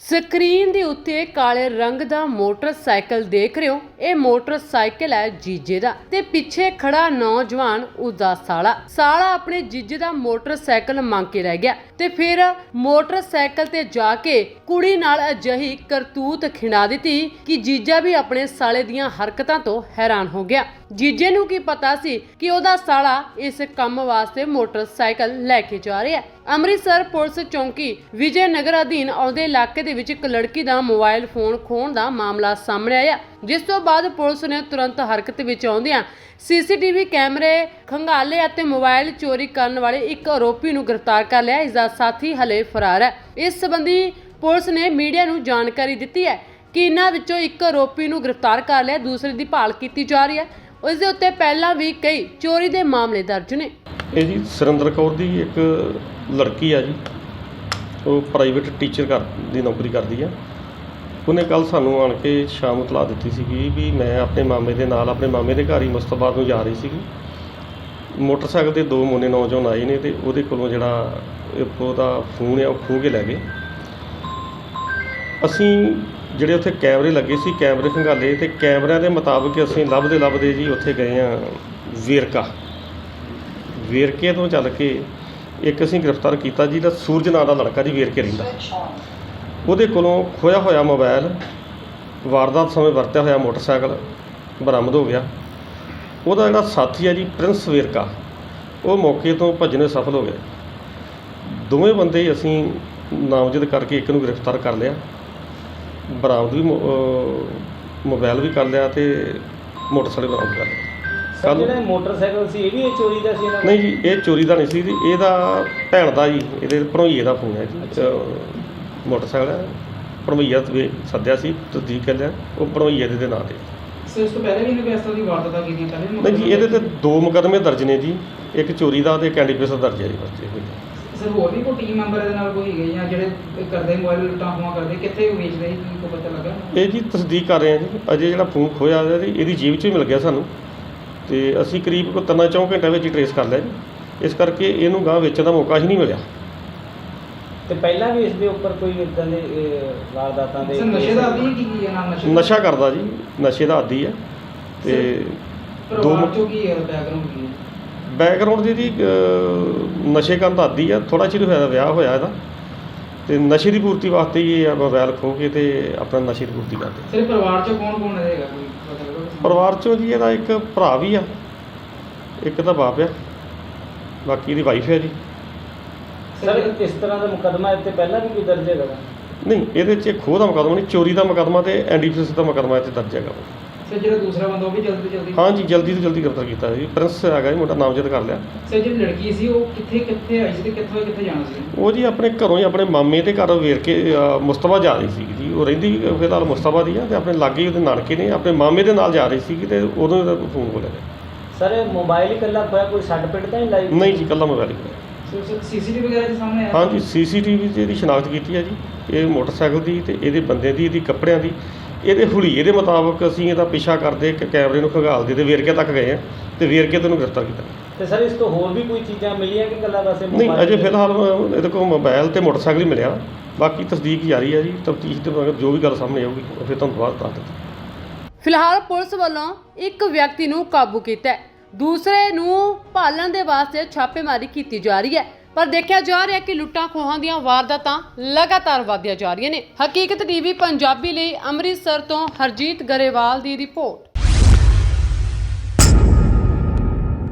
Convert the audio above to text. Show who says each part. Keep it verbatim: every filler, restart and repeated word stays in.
Speaker 1: Screen ਦੇ ਉੱਤੇ ਕਾਲੇ ਰੰਗ ਦਾ ਮੋਟਰਸਾਈਕਲ ਦੇਖ ਰਹੇ ਹੋ। ਇਹ ਮੋਟਰਸਾਈਕਲ ਹੈ ਜੀਜੇ ਦਾ ਤੇ ਪਿੱਛੇ ਖੜਾ ਨੌਜਵਾਨ ਉਸਦਾ ਸਾਲਾ ਸਾਲਾ ਆਪਣੇ ਜੀਜੇ ਦਾ ਮੋਟਰਸਾਈਕਲ ਮੰਗ ਕੇ ਰਹਿ ਗਿਆ ਤੇ ਫਿਰ ਮੋਟਰਸਾਈਕਲ ਤੇ ਜਾ ਕੇ ਕੁੜੀ ਨਾਲ ਅਜਿਹੀ ਕਰਤੂਤ ਖਿੰਡਾ ਦਿੱਤੀ ਕਿ ਜੀਜਾ ਵੀ ਆਪਣੇ ਸਾਲੇ ਦੀਆਂ ਹਰਕਤਾਂ ਤੋਂ ਹੈਰਾਨ ਹੋ ਗਿਆ। ਜੀਜੇ ਨੂੰ ਕੀ ਪਤਾ ਸੀ ਕਿ ਉਹਦਾ ਸਾਲਾ ਇਸ ਕੰਮ ਵਾਸਤੇ ਮੋਟਰਸਾਈਕਲ ਲੈ ਕੇ ਜਾ ਰਿਹਾ ਹੈ। ਅੰਮ੍ਰਿਤਸਰ ਪੁਲਿਸ ਚੌਂਕੀ ਵਿਜੇ ਨਗਰ ਅਧੀਨ ਆਉਂਦੇ ਇਲਾਕੇ ਦੇ ਵਿੱਚ ਇੱਕ ਲੜਕੀ ਦਾ ਮੋਬਾਈਲ ਫੋਨ ਖੋਹਣ ਦਾ ਮਾਮਲਾ ਸਾਹਮਣੇ ਆਇਆ, ਜਿਸ ਤੋਂ ਬਾਅਦ ਪੁਲਿਸ ਨੇ ਤੁਰੰਤ ਹਰਕਤ ਵਿੱਚ ਆਉਂਦਿਆਂ ਸੀਸੀਟੀਵੀ ਕੈਮਰੇ ਖੰਗਾਲੇ ਅਤੇ ਮੋਬਾਈਲ ਚੋਰੀ ਕਰਨ ਵਾਲੇ ਇੱਕ ਆਰੋਪੀ ਨੂੰ ਗ੍ਰਿਫਤਾਰ ਕਰ ਲਿਆ। ਇਸ ਦਾ ਸਾਥੀ ਹਲੇ ਫਰਾਰ ਹੈ। ਇਸ ਸੰਬੰਧੀ ਪੁਲਿਸ ਨੇ ਮੀਡੀਆ ਨੂੰ ਜਾਣਕਾਰੀ ਦਿੱਤੀ ਹੈ ਕਿ ਇਹਨਾਂ ਵਿੱਚੋਂ ਇੱਕ ਆਰੋਪੀ ਨੂੰ ਗ੍ਰਿਫਤਾਰ ਕਰ ਲਿਆ, ਦੂਸਰੇ ਦੀ ਭਾਲ ਕੀਤੀ ਜਾ ਰਹੀ ਹੈ। ਉਸ ਦੇ ਉੱਤੇ ਪਹਿਲਾਂ ਵੀ ਕਈ ਚੋਰੀ ਦੇ ਮਾਮਲੇ ਦਰਜ ਨੇ।
Speaker 2: ਇਹ ਜੀ ਸੁਰਿੰਦਰ ਕੌਰ ਦੀ ਇੱਕ ਲੜਕੀ ਆ ਜੀ, ਉਹ ਪ੍ਰਾਈਵੇਟ ਟੀਚਰ ਕਰ ਦੀ ਨੌਕਰੀ ਕਰਦੀ ਆ। ਉਹਨੇ ਕੱਲ ਸਾਨੂੰ ਆਣ ਕੇ ਸ਼ਾਮ ਇਤਲਾਹ ਦਿੱਤੀ ਸੀਗੀ ਵੀ ਮੈਂ ਆਪਣੇ ਮਾਮੇ ਦੇ ਨਾਲ ਆਪਣੇ ਮਾਮੇ ਦੇ ਘਰ ਹੀ ਮੁਸਤਫਾ ਨੂੰ ਜਾ ਰਹੀ ਸੀਗੀ। ਮੋਟਰਸਾਈਕਲ 'ਤੇ ਦੋ ਮੋਨੇ ਨੌਜਵਾਨ ਆਏ ਨੇ ਅਤੇ ਉਹਦੇ ਕੋਲੋਂ ਜਿਹੜਾ ਉਹਦਾ ਫੋਨ ਆ ਉਹ ਖੋਹ ਕੇ ਲੈ ਗਏ। ਅਸੀਂ ਜਿਹੜੇ ਉੱਥੇ ਕੈਮਰੇ ਲੱਗੇ ਸੀ ਕੈਮਰੇ ਖੰਗਾਲੇ ਅਤੇ ਕੈਮਰਿਆਂ ਦੇ ਮੁਤਾਬਕ ਅਸੀਂ ਲੱਭਦੇ ਲੱਭਦੇ ਜੀ ਉੱਥੇ ਗਏ ਹਾਂ ਵੇਰਕਾ। ਵੇਰਕੇ ਤੋਂ ਚੱਲ ਕੇ ਇੱਕ ਅਸੀਂ ਗ੍ਰਿਫਤਾਰ ਕੀਤਾ ਜਿਹਦਾ ਸੂਰਜ ਨਾਂ ਦਾ ਲੜਕਾ ਜੀ ਵੇਰਕੇ ਰਹਿੰਦਾ। ਉਹਦੇ ਕੋਲੋਂ ਖੋਇਆ ਹੋਇਆ ਮੋਬਾਈਲ, ਵਾਰਦਾਤ ਸਮੇਂ ਵਰਤਿਆ ਹੋਇਆ ਮੋਟਰਸਾਈਕਲ ਬਰਾਮਦ ਹੋ ਗਿਆ। ਉਹਦਾ ਜਿਹੜਾ ਸਾਥੀ ਹੈ ਜੀ ਪ੍ਰਿੰਸ ਵੇਰਕਾ, ਉਹ ਮੌਕੇ ਤੋਂ ਭੱਜਣੇ ਸਫਲ ਹੋ ਗਏ। ਦੋਵੇਂ ਬੰਦੇ ਅਸੀਂ ਨਾਮਜ਼ਦ ਕਰਕੇ ਇੱਕ ਨੂੰ ਗ੍ਰਿਫਤਾਰ ਕਰ ਲਿਆ, ਬਰਾਮਦ ਵੀ ਮੋਬਾਈਲ ਵੀ ਕਰ ਲਿਆ ਅਤੇ ਮੋਟਰਸਾਈਕਲ ਬਰਾਮਦ ਕਰ ਲਿਆ।
Speaker 3: ਕੱਲ੍ਹ ਜਿਹੜਾ ਮੋਟਰਸਾਈਕਲ ਸੀ ਇਹ ਵੀ ਇਹ ਚੋਰੀ ਦਾ ਸੀ? ਇਹਨਾਂ
Speaker 2: ਨਹੀਂ ਜੀ, ਇਹ ਚੋਰੀ ਦਾ ਨਹੀਂ ਸੀ ਜੀ, ਇਹਦਾ ਭੈਣ ਦਾ ਜੀ, ਇਹਦੇ ਭਣੋਈਏ ਦਾ ਫੋਨ ਹੈ ਜੀ। ਮੋਟਰਸਾਈਕਲ ਹੈ ਭਣੋਈਆ ਵੀ ਸੱਦਿਆ ਸੀ, ਤਸਦੀਕ ਕਰ ਲਿਆ ਉਹ ਭਣੋਈਏ ਦੇ ਨਾਂ 'ਤੇ।
Speaker 3: ਸਰ ਇਸ ਤੋਂ ਪਹਿਲਾਂ ਵੀ ਇਹਨੇ ਇਸ ਤਰ੍ਹਾਂ ਦੀ ਵਾਰਦਾਤਾਂ ਕੀਤੀਆਂ ਪਹਿਲੇ?
Speaker 2: ਨਹੀਂ ਜੀ, ਇਹਦੇ 'ਤੇ ਦੋ ਮੁਕੱਦਮੇ ਦਰਜ ਨੇ ਜੀ, ਇੱਕ ਚੋਰੀ ਦਾ ਅਤੇ ਇੱਕ ਐਨਡੀਪੀਐਸ ਦਾ ਦਰਜ ਹੈ ਜੀ ਬੱਚੇ।
Speaker 3: ਸਰ ਹੋਰ ਵੀ ਕੋਈ ਟੀਮ ਮੈਂਬਰ ਇਹਦੇ ਨਾਲ ਕੋਈ ਹੈਗੇ ਜਾਂ ਜਿਹੜੇ ਕਰਦੇ ਮੋਬਾਈਲ ਲੁੱਟਾਂ ਖੋਹਾਂ ਕਰਦੇ, ਕਿੱਥੇ ਵੇਚਦੇ ਸੀ, ਕੀ ਕੋਈ ਪਤਾ ਲੱਗਾ? ਇਹ
Speaker 2: ਜੀ ਤਸਦੀਕ ਕਰ ਰਹੇ ਹਾਂ ਜੀ। ਅਜੇ ਜਿਹੜਾ ਫੋਨ ਖੋਇਆ ਇਹਦੀ ਜੇਬ 'ਚੋਂ ਹੀ ਮਿਲ ਗਿਆ ਸਾਨੂੰ, ਅਤੇ ਅਸੀਂ ਕਰੀਬ ਕੋਈ ਤਿੰਨਾਂ ਚੌਂ ਘੰਟਿਆਂ ਵਿੱਚ ਹੀ ਟਰੇਸ ਕਰ ਲਿਆ ਜੀ। ਇਸ ਕਰਕੇ ਇਹਨੂੰ ਗਾਂਹ ਵੇਚਣ ਦਾ ਮੌਕਾ ਹੀ ਨਹੀਂ ਮਿਲਿਆ।
Speaker 3: ਤੇ ਪਹਿਲਾਂ ਵੀ ਇਸ ਦੇ ਉੱਪਰ ਕੋਈ ਇੱਦਾਂ ਦੇ ਵਾਰਦਾਤਾਂ ਦੇ? ਨਸ਼ੇ ਦਾ ਆਦੀ ਕੀ ਕੀ ਹੈ ਨਾਮ? ਨਸ਼ਾ
Speaker 2: ਨਸ਼ਾ ਕਰਦਾ ਜੀ, ਨਸ਼ੇ ਦਾ ਆਦੀ ਹੈ। ਅਤੇ ਦੋ
Speaker 3: ਚੋਂ ਕੀ ਹੈ ਬੈਕਗਰਾਉਂਡ ਕੀ ਹੈ?
Speaker 2: ਬੈਕਗਰਾਉਂਡ ਦੀ ਜੀ ਨਸ਼ੇ ਕਰਨ ਦਾ ਆਦੀ ਆ। ਥੋੜ੍ਹਾ ਚਿਰ ਹੋਇਆ ਵਿਆਹ ਹੋਇਆ ਇਹਦਾ, ਅਤੇ ਨਸ਼ੇ ਦੀ ਪੂਰਤੀ ਵਾਸਤੇ ਹੀ ਇਹ ਮੋਬਾਈਲ ਖੋਹ ਕੇ ਅਤੇ ਆਪਣਾ ਨਸ਼ੇ ਦੀ ਪੂਰਤੀ ਕਰਦੇ।
Speaker 3: ਸਿਰ ਪਰਿਵਾਰ 'ਚੋਂ ਕੌਣ ਕੌਣ ਰਹੇਗਾ ਕੋਈ ਪਤਾ ਲੱਗਾ?
Speaker 2: ਪਰਿਵਾਰ 'ਚੋਂ ਜੀ ਇਹਦਾ ਇੱਕ ਭਰਾ ਵੀ ਆ, ਇੱਕ ਤਾਂ ਬਾਪ ਆ, ਬਾਕੀ ਇਹਦੀ ਵਾਈਫ ਹੈ ਜੀ।
Speaker 3: ਸਰ ਇਸ ਤਰ੍ਹਾਂ ਦਾ ਮੁਕੱਦਮਾ ਇੱਥੇ ਪਹਿਲਾਂ ਵੀ ਕੋਈ ਦਰਜ ਹੈਗਾ?
Speaker 2: ਨਹੀਂ, ਇਹਦੇ 'ਚ ਖੋਹ ਦਾ ਮੁਕੱਦਮਾ ਨਹੀਂ, ਚੋਰੀ ਦਾ ਮੁਕੱਦਮਾ ਅਤੇ ਐਨਡੀਪੀਐਸ ਦਾ ਮੁਕੱਦਮਾ ਇੱਥੇ ਦਰਜ ਹੈਗਾ।
Speaker 3: ਸਰ ਜਿਹੜਾ ਦੂਸਰਾ ਬੰਦਾ ਉਹ ਵੀ ਜਲਦੀ ਤੋਂ ਜਲਦੀ?
Speaker 2: ਹਾਂ ਜੀ, ਜਲਦੀ ਤੋਂ ਜਲਦੀ ਗ੍ਰਿਫਤਾਰ ਕੀਤਾ ਜੀ। ਪ੍ਰਿੰਸ ਹੈਗਾ ਜੀ, ਮੁੰਡਾ ਨਾਮਜ਼ਦ ਕਰ ਲਿਆ।
Speaker 3: ਸਰ ਜਿਹੜੀ ਲੜਕੀ ਸੀ ਉਹ ਕਿੱਥੇ ਕਿੱਥੇ ਆਈ ਸੀ ਅਤੇ ਕਿੱਥੋਂ ਕਿੱਥੇ ਜਾਣਾ ਸੀ? ਉਹ
Speaker 2: ਜੀ ਆਪਣੇ ਘਰੋਂ ਹੀ ਆਪਣੇ ਮਾਮੇ ਦੇ ਘਰ ਵੇਰ ਕੇ ਮੁਸਤਫਾ ਜਾ ਰਹੀ ਸੀ ਜੀ। ਉਹ ਰਹਿੰਦੀ ਵੀ ਫਿਲਹਾਲ ਮੁਸਤਫਾ ਦੀ ਆ, ਅਤੇ ਆਪਣੇ ਲਾਗੇ ਉਹਦੇ ਨਾਨਕੇ ਨੇ, ਆਪਣੇ ਮਾਮੇ ਦੇ ਨਾਲ ਜਾ ਰਹੀ ਸੀ ਅਤੇ ਉਦੋਂ ਇਹਦਾ ਫੋਨ ਬੋਲਿਆ ਗਿਆ।
Speaker 3: ਸਰ ਮੋਬਾਈਲ ਇਕੱਲਾ ਖੋਇਆ, ਕੋਈ ਸੱਟ ਪਿੱਟ ਤਾਂ ਨਹੀਂ ਲਾਈ?
Speaker 2: ਨਹੀਂ ਜੀ, ਇਕੱਲਾ ਮੋਬਾਈਲ ਹੀ ਖੋਇਆ।
Speaker 3: ਸੀਸੀਟੀਵੀ ਵਗੈਰਾ ਦੇ ਸਾਹਮਣੇ ਆਇਆ?
Speaker 2: ਹਾਂ ਜੀ, ਸੀਸੀਟੀਵੀ 'ਚ ਇਹਦੀ ਸ਼ਨਾਖਤ ਕੀਤੀ ਹੈ ਜੀ, ਇਹ ਮੋਟਰਸਾਈਕਲ ਦੀ ਅਤੇ ਇਹਦੇ ਬੰਦੇ ਦੀ, ਇਹਦੀ ਕੱਪੜਿਆਂ ਦੀ, ਇਹਦੇ ਹੁਲੀਏ ਦੇ ਮੁਤਾਬਕ ਅਸੀਂ ਇਹਦਾ ਪਿੱਛਾ ਕਰਦੇ ਇੱਕ ਕੈਮਰੇ ਨੂੰ ਖੰਗਾਲਦੇ ਅਤੇ ਵੇਰਕੇ ਤੱਕ ਗਏ ਹਾਂ ਅਤੇ ਵੇਰਕੇ ਤੋਂ ਗ੍ਰਿਫਤਾਰ ਕੀਤਾ।
Speaker 3: ਅਤੇ ਸਰ ਇਸ ਤੋਂ ਹੋਰ ਵੀ ਕੋਈ ਚੀਜ਼ਾਂ ਮਿਲੀਆਂ ਕਿ ਇਕੱਲਾ ਵੈਸੇ?
Speaker 2: ਨਹੀਂ, ਅਜੇ ਫਿਲਹਾਲ ਇਹਦੇ ਕੋਲ ਮੋਬਾਈਲ ਅਤੇ ਮੋਟਰਸਾਈਕਲ ਹੀ ਮਿਲਿਆ। ਬਾਕੀ ਤਸਦੀਕ ਜਾਰੀ ਹੈ ਜੀ, ਤਫਤੀਸ਼ ਦੇ ਬਾਅਦ ਜੋ ਵੀ ਗੱਲ ਸਾਹਮਣੇ ਆਊਗੀ ਉਹ ਫਿਰ ਤੁਹਾਨੂੰ ਬਾਅਦ ਦੱਸ ਦਿੱਤੀ।
Speaker 1: ਫਿਲਹਾਲ ਪੁਲਿਸ ਵੱਲੋਂ ਇੱਕ ਵਿਅਕਤੀ ਨੂੰ ਕਾਬੂ ਕੀਤਾ ਹੈ, ਦੂਸਰੇ ਨੂੰ ਭਾਲਣ ਦੇ ਵਾਸਤੇ ਛਾਪੇਮਾਰੀ ਕੀਤੀ ਜਾ ਰਹੀ ਹੈ। ਪਰ ਦੇਖਿਆ ਜਾ ਰਿਹਾ ਕਿ ਲੁੱਟਾਂ ਖੋਹਾਂ ਦੀਆਂ ਵਾਰਦਾਤਾਂ ਲਗਾਤਾਰ ਵਧਦੀਆਂ ਜਾ ਰਹੀਆਂ ਨੇ। ਹਕੀਕਤ ਟੀਵੀ ਪੰਜਾਬੀ ਲਈ ਅੰਮ੍ਰਿਤਸਰ ਤੋਂ ਹਰਜੀਤ ਗਰੇਵਾਲ ਦੀ ਰਿਪੋਰਟ।